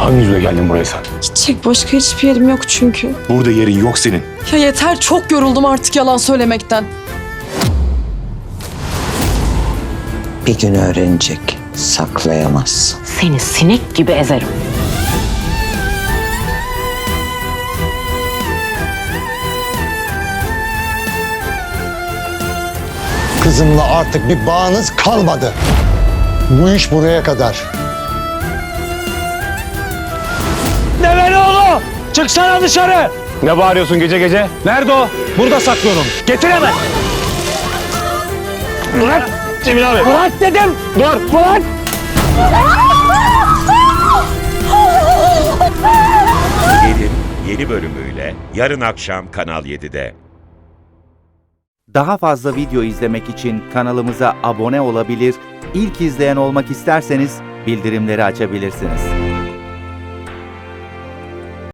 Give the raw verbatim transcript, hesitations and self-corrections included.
Hangi yüzle geldin buraya sen? Gidecek başka hiçbir yerim yok çünkü. Burada yerin yok senin. Ya yeter, çok yoruldum artık yalan söylemekten. Bir gün öğrenecek. Saklayamazsın. Seni sinek gibi ezerim. Kızımla artık bir bağınız kalmadı. Bu iş buraya kadar. Develioğlu! Çıksana dışarı! Ne bağırıyorsun gece gece? Nerede o? Burada saklıyorum. Getir hemen! Bırak Cemil abi. Bırak dedim! Dur. Bırak! Gelin yeni bölümüyle yarın akşam Kanal yedide. Daha fazla video izlemek için kanalımıza abone olabilir, ilk izleyen olmak isterseniz bildirimleri açabilirsiniz.